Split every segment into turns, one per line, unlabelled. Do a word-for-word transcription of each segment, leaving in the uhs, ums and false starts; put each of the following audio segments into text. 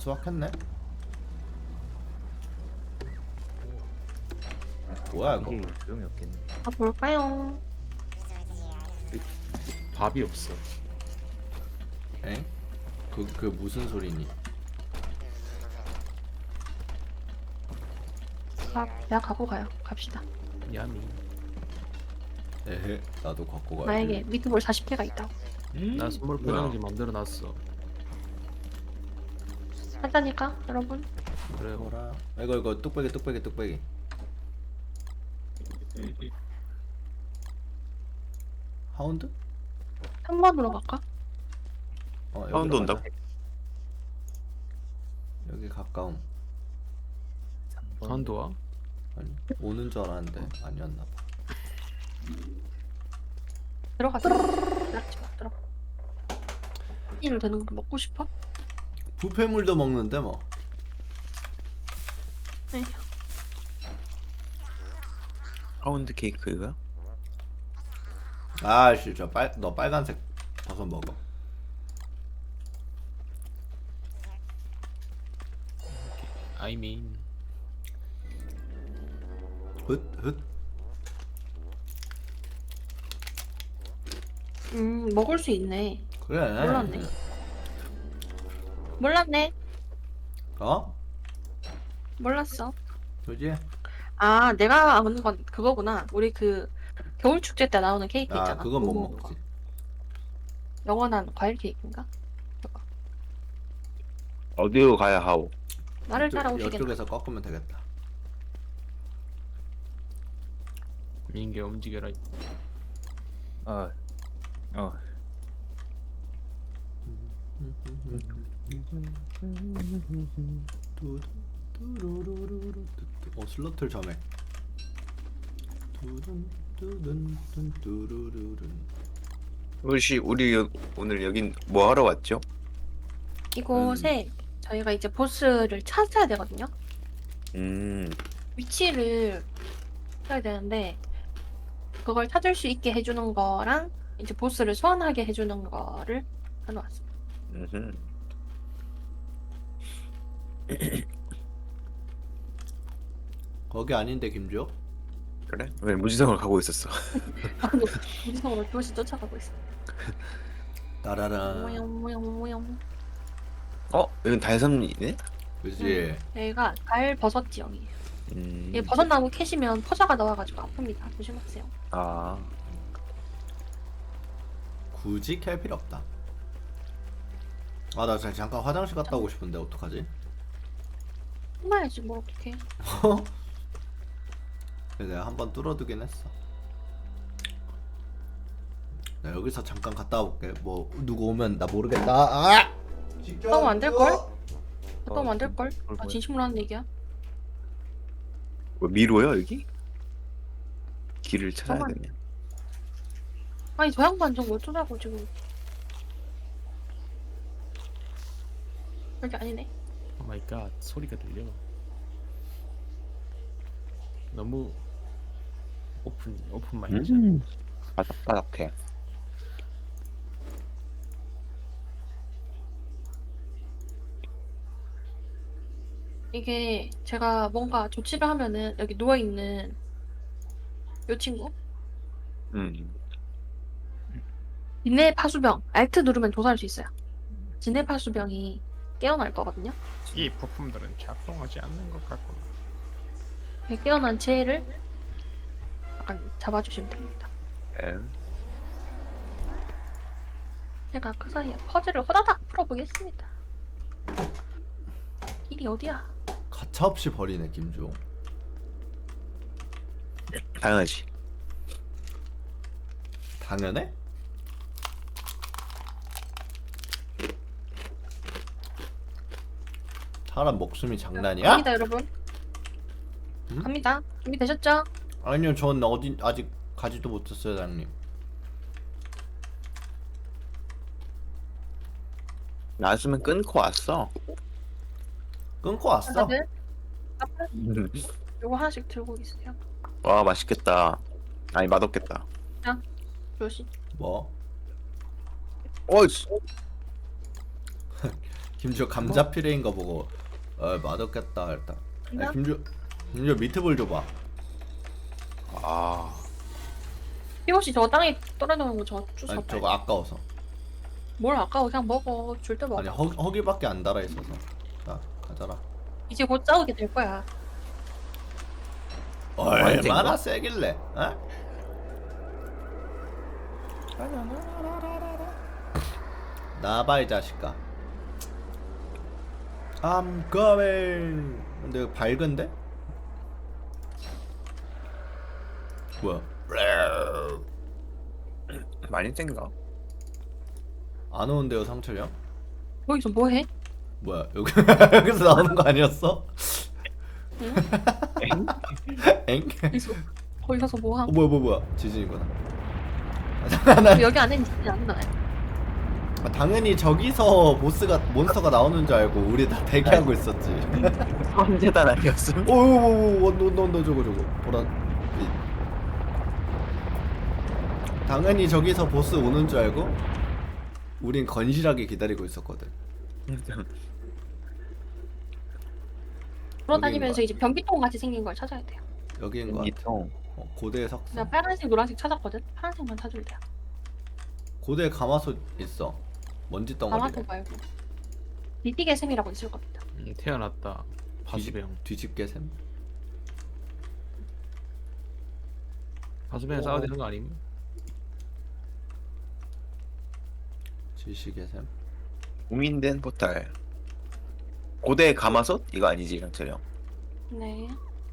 수확했네. 뭐야 이거?
이게 소용이 없겠네.
아 볼까요?
밥이 없어.
엥? 그, 그 무슨 소리니?
아 내가 갖고 가요. 갑시다.
야미.
에헤, 나도 갖고 가야지.
나에게 미트볼 사십 개가 있다고.
나 선물 포장지 만들어 놨어.
한다니까 여러분.
그래.
뭐라? 이거 이거 뚝배기 뚝배기 뚝배기. 하운드?
한 번으로 갈까?
어, 여기로
하운드 온다고?
가자. 여기 가까움.
한도와
아니 오는 줄 알았는데 아니었나 봐.
들어가자. 들어가지 마. 들어가. 이로 되는 거 먹고 싶어?
부패물도 먹는데 뭐.
네.
파운드 케이크가?
아씨 저 빨 너 빨간색 버섯 먹어.
I mean
훗훗.
음 먹을 수 있네.
그래.
몰랐네. 몰랐네.
어?
몰랐어.
그지?
아 내가 아는 건 그거구나. 우리 그 겨울 축제 때 나오는 케이크
아
있잖아.
그건 못
고무거.
먹지.
영원한 과일 케이크인가?
어디로 가야 하오?
나를
이쪽-
따라오시겠나?
이쪽에서 꺾으면 되겠다.
민게 움직여라.
어, 어.
어 슬로틀 점액.
혹시 우리 여, 오늘 여긴 뭐 하러 왔죠?
이곳에 저희가 이제 보스를 찾아야 되거든요.
음,
위치를 찾아야 되는데 그걸 찾을 수 있게 해주는 거랑 이제 보스를 소환하게 해주는 거를 해놓았습니다.
음흠.
거기 아닌데 김주혁?
그래? 왜 무지성을 가고 있었어?
방금 무지성으로 교시 쫓아가고 있어.
따라란.
모영 모영 모영.
어? 여긴 달섬이네?
그지?
여기가 달 버섯 지형이에요.
음,
이 버섯나무 캐시면 포자가 나와가지고 아픕니다. 조심하세요.
아,
굳이 캘 필요 없다. 아 나 잠깐 화장실 갔다 오고 싶은데 어떡하지?
혼나야지 뭘 어떡해.
그래서 내가 한번 뚫어두긴 했어. 나 여기서 잠깐 갔다 올게. 뭐 누구 오면 나 모르겠다. 아!
너무 안 될걸?
어,
너무 안 될걸?
그걸
아
뭐야?
진심으로 하는 얘기야?
뭐 미로요 여기? 길을 찾아야
잠깐만.
되네.
아니 저 양반 좀 어쩌자고 지금. 여기 아니네.
오 마이 갓. 소리가 들려. 너무 오픈 오픈 마인드.
음, 바닥바닥해.
이게 제가 뭔가 조치를 하면은 여기 누워있는 요 친구
음,
진해 파수병 알트 누르면 조사할 수 있어요. 진해 파수병이 깨어날 거거든요.
이 부품들은 작동하지 않는 것 같고.
그 깨어난 채를 약간 잡아주시면 됩니다.
에?
제가 그 사이에 퍼즐을 호다닥 풀어보겠습니다. 길이 어디야?
가차없이 버리네 김주홍.
당연하지.
당연해? 사람 목숨이 장난이야?
갑니다 여러분.
음?
갑니다. 준비되셨죠?
아니요 전 어디 아직 가지도 못했어요 장님.
나왔으면 끊고 왔어.
끊고 왔어.
다들 앞에 요거 하나씩 들고 있으세요.
와, 맛있겠다. 아니, 맛없겠다.
조심.
뭐?
어이씨.
김주 감자 피레인 거 보고 어 맛없겠다 일단.
그냥?
야, 김주 김주 미트볼 줘봐.
아
혹시 저 땅에 떨어지는 거 저 주워
아니
빨리.
저거 아까워서.
뭘 아까워 그냥 먹어. 줄 때 먹어.
아니 허 허기밖에 안 달아 있어서. 자 가져라.
이제 곧 싸우게 될 거야.
얼마나 세길래? 어? 나봐 이 자식아. I'm coming. 근데 이거 밝은데? 뭐야?
많이 센가?
안 오는데요 상철이 형?
거기서 뭐 해?
뭐야 여기 여기서 나오는 거 아니었어?
응?
엥?
거기서 거기 가서 뭐
어
하고?
뭐야 뭐야 뭐야 지진이구나. 아, 잠깐 나
여기 안에는 진짜 안 나요.
아, 당연히 저기서 보스가 몬스터가 나오는 줄 알고 우리 다 대기하고 있었지.
선재단 아니었음?
오오오오 너너너 저거 저거 보라. 당연히 저기서 보스 오는 줄 알고 우린 건실하게 기다리고 있었거든.
돌아다니면서 이제 변기통 같이 생긴 걸 찾아야 돼요.
여기인 거 같아.
이통
어, 고대 석상.
나 파란색, 노란색 찾았거든. 파란색만 찾으면 돼요.
고대 가마솥 있어. 먼지 덩어리.
아마도 말고 니티게 샘이라고 있을 겁니다.
음, 태어났다. 파수병.
뒤집게 샘.
파수병
오.
싸워야 되는 거 아님?
지식의 샘.
공인된 포탈 고대 가마솥? 이거 아니지 상철이 형?
네.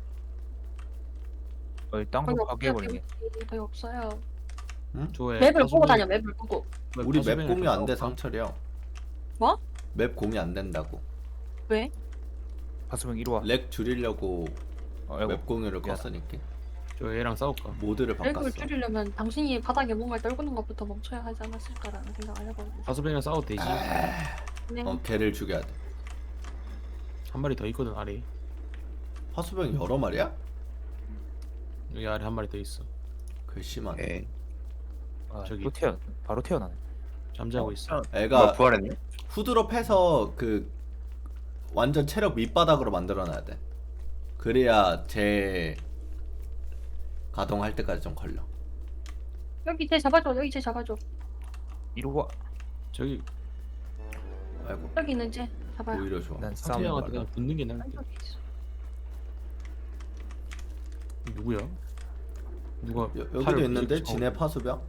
어, 땅도
거기 없어요.
파괴해버리네.
거기, 거기 없어요.
조에
맵을 보고
파수병-
다녀. 맵을 보고.
왜
우리 맵
파수병이랑
공유 안 돼
싸울까?
상철이 형.
뭐?
맵 공유 안 된다고.
왜?
파수병 이리 와.
렉 줄이려고
어, 아이고.
웹 공유를
미안하다.
껐으니까
저 얘랑 싸울까?
모드를
렉을
바꿨어.
줄이려면 당신이 바닥에 뭔가 떨구는 것부터 멈춰야 하지 않았을까라는 생각을 해보고.
파수병이랑 싸워도 되지.
네.
어 걔를 죽여야 돼.
한 마리 더 있거든 아래.
화수병이 여러 마리야?
여기 아래 한 마리 더 있어.
글씨만.
예.
아,
저기.
또 태어 바로 태어나네.
잠자고 있어.
애가
뭐 부활했네?
후드롭해서 그 완전 체력 밑바닥으로 만들어놔야 돼. 그래야 제 가동할 때까지 좀 걸려.
여기 쟤 잡아줘. 여기 쟤 잡아줘.
이리 와.
저기
아이고
여기 있는 쟤 잡아요.
오히려 좋아.
난
상태
싸움
형한테 그냥 붙는 게 나을 듯.
여기 있어.
누구야? 누가
여, 여기도
팔을
있는데
부딪혀-
진해 파수병.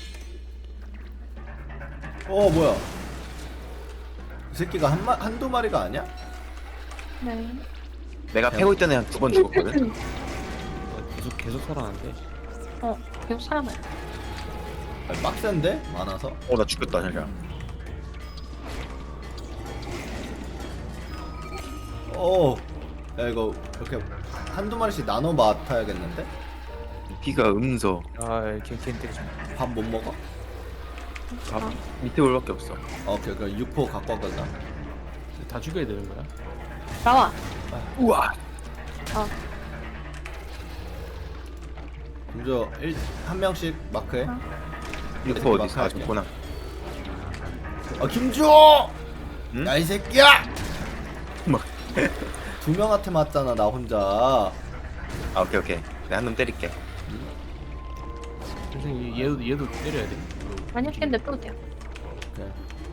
어 뭐야? 이 새끼가 한 마, 한두 마리가 아니야?
네.
내가 패고 있던 애 한 두 번 죽었거든?
어, 계속 계속 살아난대.
어, 계속 살아나요.
아니, 빡센데? 많아서?
어 나 죽겠다 진짜.
어. 야 이거 이렇게 한두 마리씩 나눠 맡아야겠는데?
피가 음서
아, 걔 걔 때리지 마.
밥 못 먹어?
밥 밑에 올밖에 없어.
어, 오케이 그럼 육포 갖고 왔거든.
다 죽여야 되는 거야?
나와.
우와
어.
먼저 일, 한 명씩 마크해.
어.
이거 어디 있어? 아 좋구나.
아 김주!
응?
야 이 새끼야!
뭐?
두 명한테 맞잖아 나 혼자.
아 오케이 오케이. 내가 한 놈 때릴게.
선생님 얘도 얘도 때려야 돼.
아니요, 걔 냅둬도 돼요.
오케이.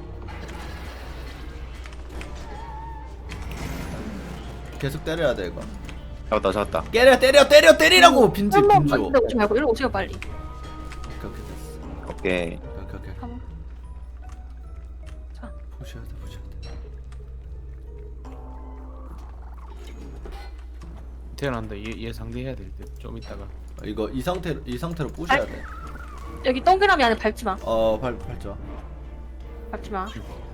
계속 때려야 돼 이거.
잡았다 잡았다.
때려 때려 때려 때리라고 빈집
한번
김주.
만데 오지 말고 이리로 오세요 빨리.
오케이 오케이 됐어.
오케이.
오케이 오케이.
가만.
보셔야 돼 보셔야 돼.
태어난다. 얘, 얘 상대해야 될 듯. 좀 이따가.
어, 이거 이 상태로 이 상태로 부셔야 돼.
여기 동그라미 안에 밟지 마.
어발 발자.
밟지 마.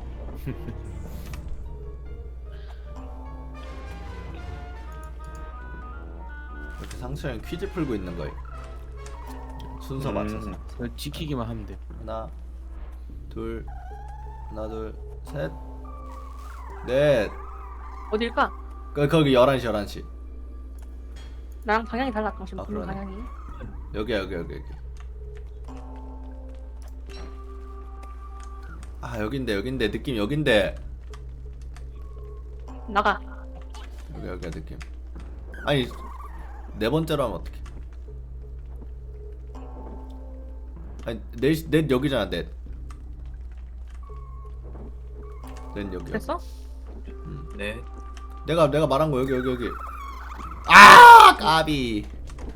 이렇게 상처형 퀴즈 풀고 있는 거예요. 순서
음.
맞춰서.
그거 지키기만 하면 돼.
하나, 둘, 하나, 둘, 셋, 넷.
어딜까?
그 거기 열한 시 열한 시.
나랑 방향이 달라 당신
아,
보는
그러네.
방향이.
여기야 여기 여기 여기. 아 여긴데 여긴데 느낌 여긴데.
나가.
여기 여기 느낌. 아니 네 번째로 하면 어떡해? 아니 넷, 넷 여기잖아 넷. 넷 여기.
됐어?
네.
내가 내가 말한 거 여기 여기 여기. 아 까비.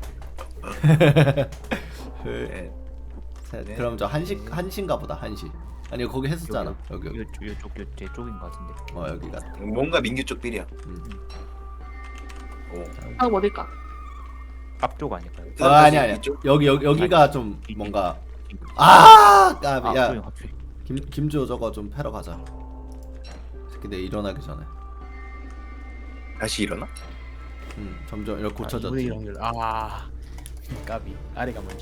네.
셋.
네.
그럼 저 한시 한시인가 보다 한시. 아니 거기 했었잖아. 여기 여기.
요쪽 요쪽 요제 쪽인 것 같은데.
어 여기 같아.
뭔가 민규 쪽 빌이야.
음.
오.
다음 어딜까?
앞쪽 아닐까요?
어, 아니 아니.
이쪽?
여기 여기 여기가
아니,
좀
이-
뭔가 아 까비.
아,
야
소영 합체.
김 김주호 저거 좀 패러 가자. 새끼 내 일어나기 전에.
다시 일어나?
음 점점 이렇게
아,
고쳐졌지.
이분의 확률. 아 까비. 아래가 먼저.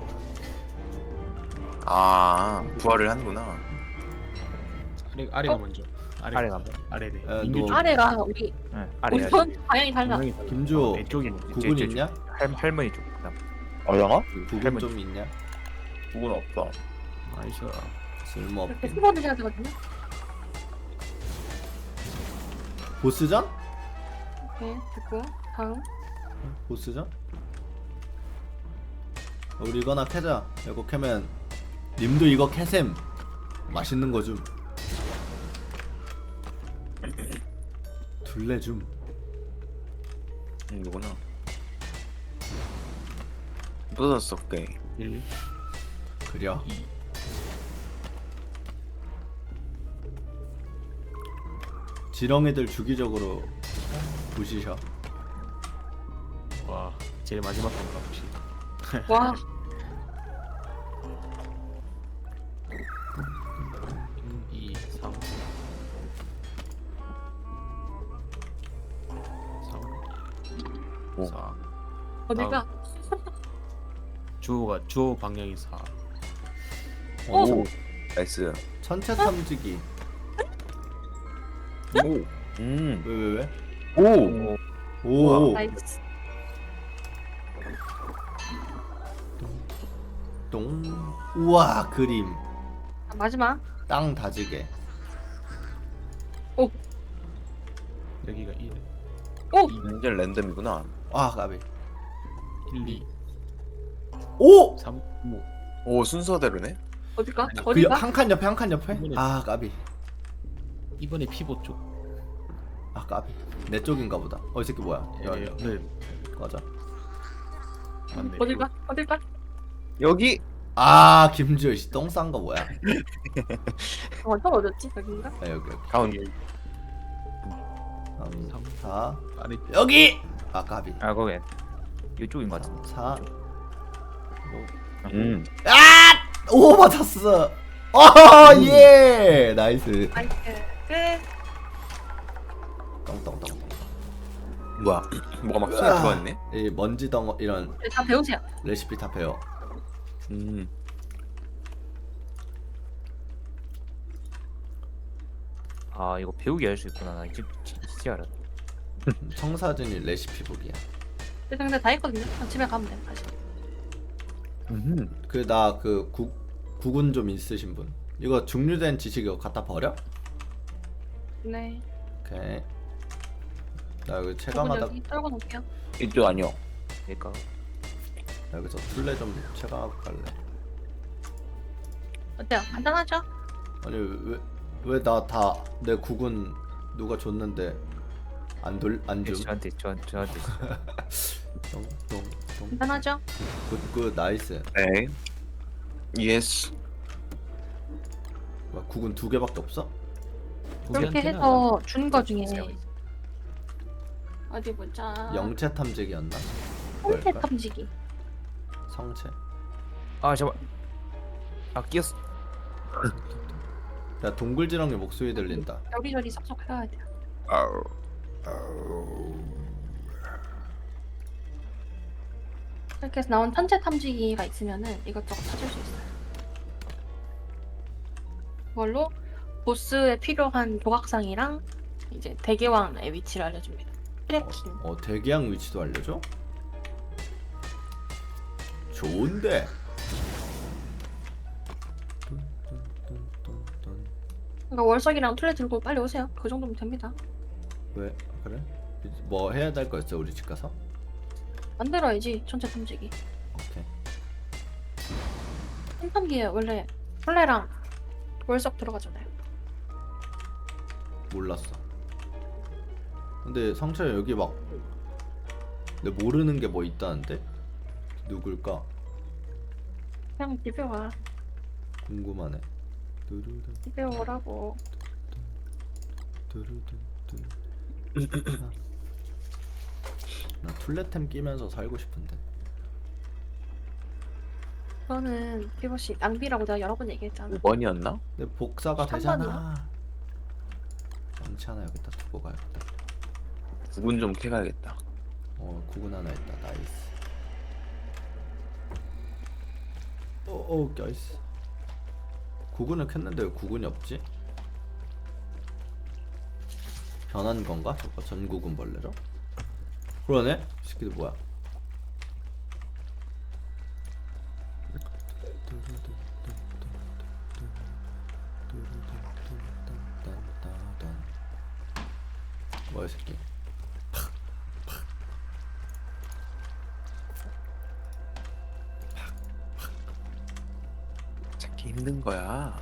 아 부활을 하는구나.
아래 아래가
어?
먼저.
아래가
먼저. 아래래.
어,
민규
너-
쪽.
아래가 우리
응, 아래
우리
아래.
편 방향이 달라.
분명히 달라.
김주호
어, 내 쪽이
구분
제-
있냐?
할 할머니 쪽. 그다음.
어영아?
구분
할머니.
좀 있냐?
그건 없어.
나이스.
이렇게
쓸모없긴.
수건을 해야 되거든요.
보스전?
오케이 됐고 다음.
보스전? 우리 이거나 캐자. 이거 캐면 님도 이거 캐셈. 맛있는 거 좀. 둘레 좀.
음, 이거구나. 부서졌어 꽤.
일.
그려.
이.
지렁이들 주기적으로 부시셔.
와 제일 마지막 건가 혹시?
와
이, 삼. 삼.
오.
사.
어딜까?
주호가 주호 방향이 사.
오.
나이스.
천체 탐지기.
오. 음.
왜 왜 왜?
오.
오.
나이스.
똥. 우와 그림.
자, 마지막.
땅 다지게.
여기가 일.
오
완전 랜덤이구나.
아 까비.
일, 이,
오.
삼, 오.
오 순서대로네.
어딜까?
그
어딜까?
한 칸 옆에 한 칸 옆에.
이번에-
아 까비.
이번에 피보 쪽.
아 까비. 내 쪽인가 보다. 어 이 새끼 뭐야? 야,
예,
야,
네.
맞아.
맞네.
어딜까? 어딜까?
여기.
아 김주호 씨 똥 싼 거 뭐야?
어, 저 어딨지? 여긴가?
아 여기 여기.
가운데.
삼,
삼.
사.
아래
여기. 아 까비.
아 거기 이쪽인 것 같은데.
사.
음.
아! 오 맞았어. 어 예. 나이스.
나이스. 끝.
똥똥똥.
뭐야? 뭐가 막 손에
아.
들어왔네.
이 먼지 덩어 이런
네, 다 배우세요.
레시피 다 배워.
음.
아 이거 배우기 할 수 있구나. 나 이제 진짜 알았네.
청사진이 레시피 북이야.
네, 근데 다 했거든요. 그냥 집에 가면 돼. 다시.
음.
그 나 그 국군 좀 있으신 분. 이거 중류된 지식 이거 갖다 버려?
네.
오케이. 나 여기
조금
체감하다.
여기 떨궈 놓을게요.
이쪽 아니요.
그러니까
나 여기서 술래 좀 체감하고 갈래.
어때요? 간단하죠?
아니 왜 왜 나 다 내 국군 누가 줬는데 안 돌 안 줌?
저한테 저 저한테
똥똥똥.
간단하죠?
굿굿 나이스.
네. 예스.
막 국군 두 개밖에 없어?
그렇게
우리한테는
해서 준 거 중에
주세요.
어디 보자.
영체 탐지기였나?
성체
뭘까?
탐지기.
성체.
아 잠깐. 아 끼었어.
야 동굴지렁이 목소리 들린다.
여기저기 쏙쏙 해야 돼요.
아우.
이렇게 해서 나온 천체 탐지기가 있으면은 이것저것 찾을 수 있어요. 그걸로 보스에 필요한 조각상이랑 이제 대개왕의 위치를 알려줍니다. 트래킹.
어 대기양 위치도 알려줘? 좋은데.
그러니까 월석이랑 툴레 들고 빨리 오세요. 그 정도면 됩니다.
왜 그래? 뭐 해야 될 거 있어 우리 집 가서?
만들어야지 전체 탐지기.
오케이.
탐지기에 원래 벌레랑 월석 들어가잖아요.
몰랐어. 근데 상처야 여기 막 내 모르는 게 뭐 있다는데? 누굴까?
그냥 집에 와.
궁금하네. 두루두
집에 오라고.
두루두 두. 나 툴레템 끼면서 살고 싶은데.
그거는 피버씨 낭비라고 내가 여러 번 얘기했잖아.
오 번이었나?
내 복사가
한
되잖아. 많지 않아. 여기다 두고 가야겠다.
구분 좀 캐가야겠다.
어, 구근 하나 있다. 나이스. 어, 어, 나이스. 구근을 켰는데 왜 구근이 없지? 변한 건가? 저거 전구근 벌레로? 그러네? 이 새끼들 뭐야? 뭐야 이 새끼?
찾기 힘든 거야.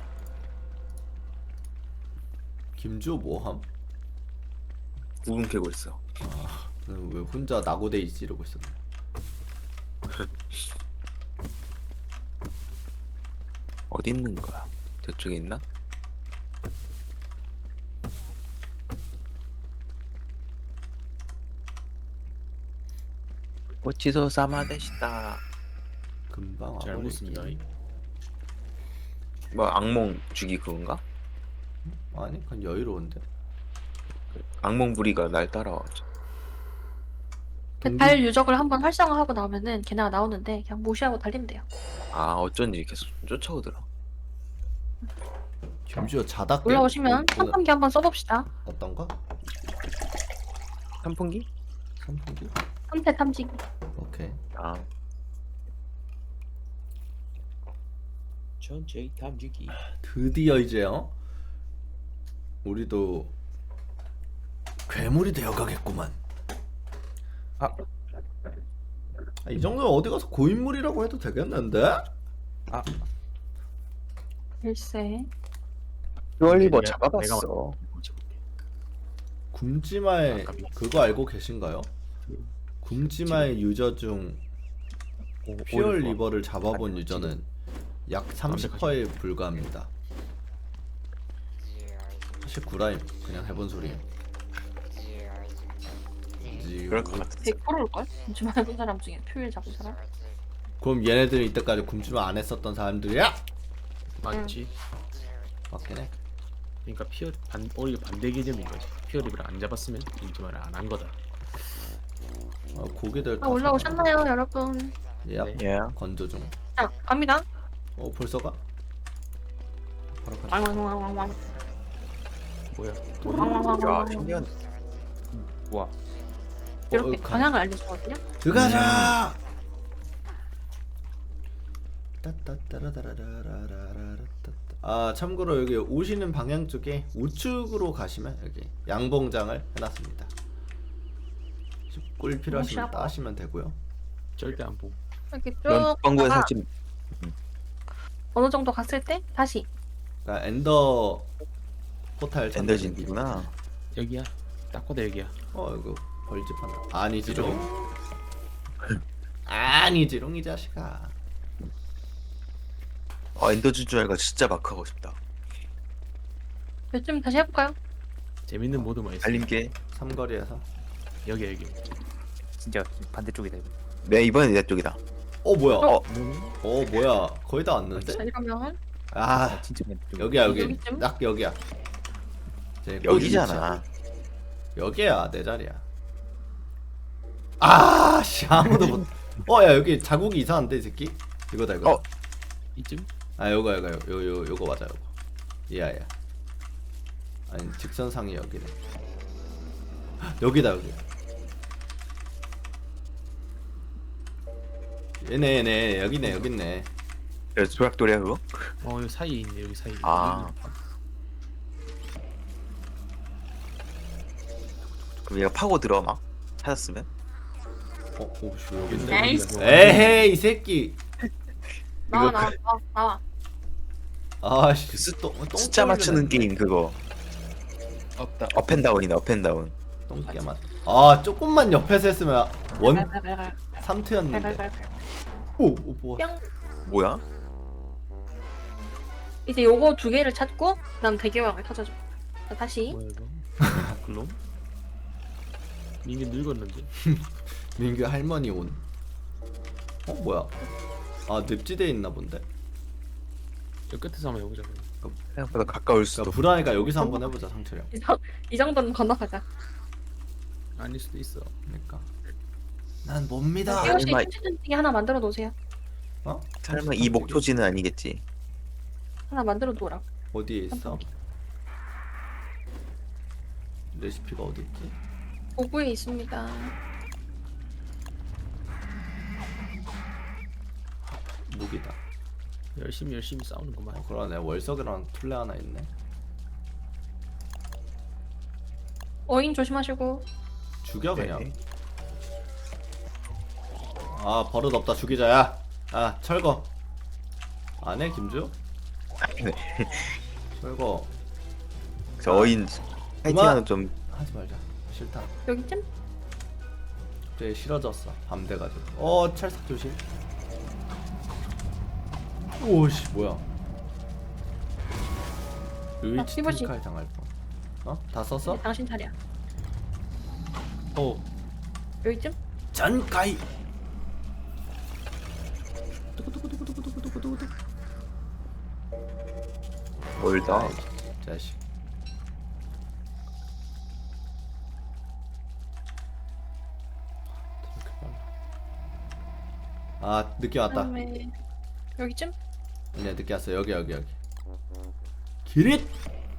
김주호 뭐함?
구분 캐고 있어.
왜 혼자 나고데이 찌르고 있었네.
어디 있는 거야? 저쪽에 있나? 고치소 사마데시다.
금방
잘
와버리기.
먹습니다.
뭐 악몽 주기 그건가?
아니 그냥 여유로운데.
악몽 부리가 날 따라와.
그
동기-
달 유적을 한번 활성화하고 나오면은 걔네가 나오는데 그냥 무시하고 달리면 돼요.
아 어쩐지 계속 쫓아오더라.
김주호 자다 깨.
올라오시면
뭐, 뭐,
탐탐기 한번 써봅시다.
어떤 거?
선풍기?
선풍기?
선태 탐지기.
오케이.
아
전체 탐지기.
드디어 이제요. 우리도 괴물이 되어가겠구만.
아.
아, 이 정도면 어디 가서 고인물이라고 해도 되겠는데?
글쎄.
듀얼리버
내가-
잡아봤어.
굶지마의
아깝이.
그거 알고 계신가요? 굶지마의 유저 중 퓨얼 리버를 잡아본 유저는 약 삼십 퍼센트에 불과합니다. 사실 구라임 그냥 해본 소리예요.
그럴 것 같아.
백 퍼센트 올걸? 요즘 해본 사람 중에 표일 잡은 사람?
그럼 얘네들이 이때까지 굶지마 안 했었던 사람들이야?
맞지?
맞긴 해.
그러니까 피어 반 오히려 반대 개념인 거지. 피어립을 안 잡았으면 인지말을 안 한 거다.
어, 고기들
아, 올라오셨나요, 여러분?
예.
네.
예.
건조 중.
자, 갑니다.
어 벌써 가? 바로 가.
왕왕왕왕왕.
뭐야?
야
왕왕왕왕.
신기한.
와.
이렇게
어, 가-
방향을 알려주거든요.
들어가자. 따따따라라라라라라따따. 아 참고로 여기 오시는 방향 쪽에 우측으로 가시면 여기 양봉장을 해놨습니다. 꿀 필요하시면
샤워.
따시면 되고요.
절대 안 보고.
이렇게
그런
쭉
광고에
가다가
살찐.
어느 정도 갔을 때 다시
그러니까 엔더 포탈 찾는
엔더진이구나.
여기야. 딱 봐도 여기야.
어 이거 벌집 하나. 아니지롱. 아니지롱 이 자식아.
아 엔더 주주알가 진짜 막 하고 싶다.
요즘 다시 해볼까요?
재밌는 모드만 있어.
달림게.
삼거리에서.
여기 여기.
진짜 반대쪽이다 이거.
네 이번엔 내 쪽이다.
어 뭐야?
어.
어 뭐야? 거의 다 왔는데?
자, 이러면
아
진짜 반대쪽.
여기야 여기.
여기쯤?
딱 여기야. 이제 꿀
여기잖아.
위치야. 여기야 내 자리야. 아씨 아무도 못. 어야 여기 자국이 이상한데 이 새끼. 이거다 이거.
어.
이쯤?
아 요거 요거 요거 요 요거 맞아 요거. 얘야 얘. 아니 직선상이 여기네. 여기다 여기. 얘네 얘네 여기네 여기 있네.
그래서 조약돌이야 그거?
어 여기 사이에 있네. 여기 사이에.
아. 그럼 얘가 파고 들어 막 찾았으면.
어, 오씨 여기 있네.
나이스.
에헤이 이 새끼.
나와
이거
나와 나와 나와.
아씨
그 수-
똥, 똥
숫자 맞추는
깨물리네.
게임 그거.
없다.
업앤다운이네 업앤다운.
똥개만. 아 조금만 옆에서 했으면 원
갈갈갈갈.
삼 트였는데.
갈갈갈갈.
오, 오 뭐야?
뿅.
뭐야?
이제 요거 두 개를 찾고 그다음 대기왕을 터져줘. 자, 다시.
뭐야 이거? 글롬? 민기 늙었는데.
민규 할머니 온. 어 뭐야? 아 늪지대에 있나 본데.
여 끝에서 한번 해보자. 그럼.
생각보다 가까울 수도.
그러니까 불안하니까 여기서 한번 해보자 상철이 형.
이, 정, 이 정도는 건너가자.
아닐 수도 있어.
그러니까. 난 뭡니다.
태호 씨
설마-
춤추기 하나 만들어 놓으세요.
어?
설마 이 목표지는 아니겠지?
하나 만들어 놓으라고.
어디에 있어? 레시피가 어디 있지?
도구에 있습니다.
무기다.
열심히 열심히 싸우는구만.
어 그러네. 월석이랑 툴레 하나 있네.
어인 조심하시고.
죽여 그냥.
네.
아 버릇 없다 죽이자 야. 아 철거. 안 해 김주?
네.
철거
저 어인 파이팅하는 좀
하지 말자. 싫다.
여기쯤?
되게 싫어졌어. 밤 돼가지고. 어 찰싹 조심. 오씨 뭐야? 의치
삐부시.
탱칼 당할 뻔. 어? 다 썼어?
이제 당신 차례야.
어.
여기쯤?
전가이.
멀다.
아이, 자식. 아 늦게 왔다.
그다음에 여기쯤?
네 늦게 왔어. 여기 여기 여기. 기릿.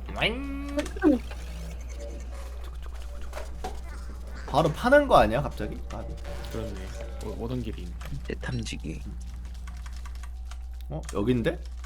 바로 파는 거 아니야 갑자기? 아,
그렇네. 오- 오던 길이 있네.
제 탐지기.
어 여긴데?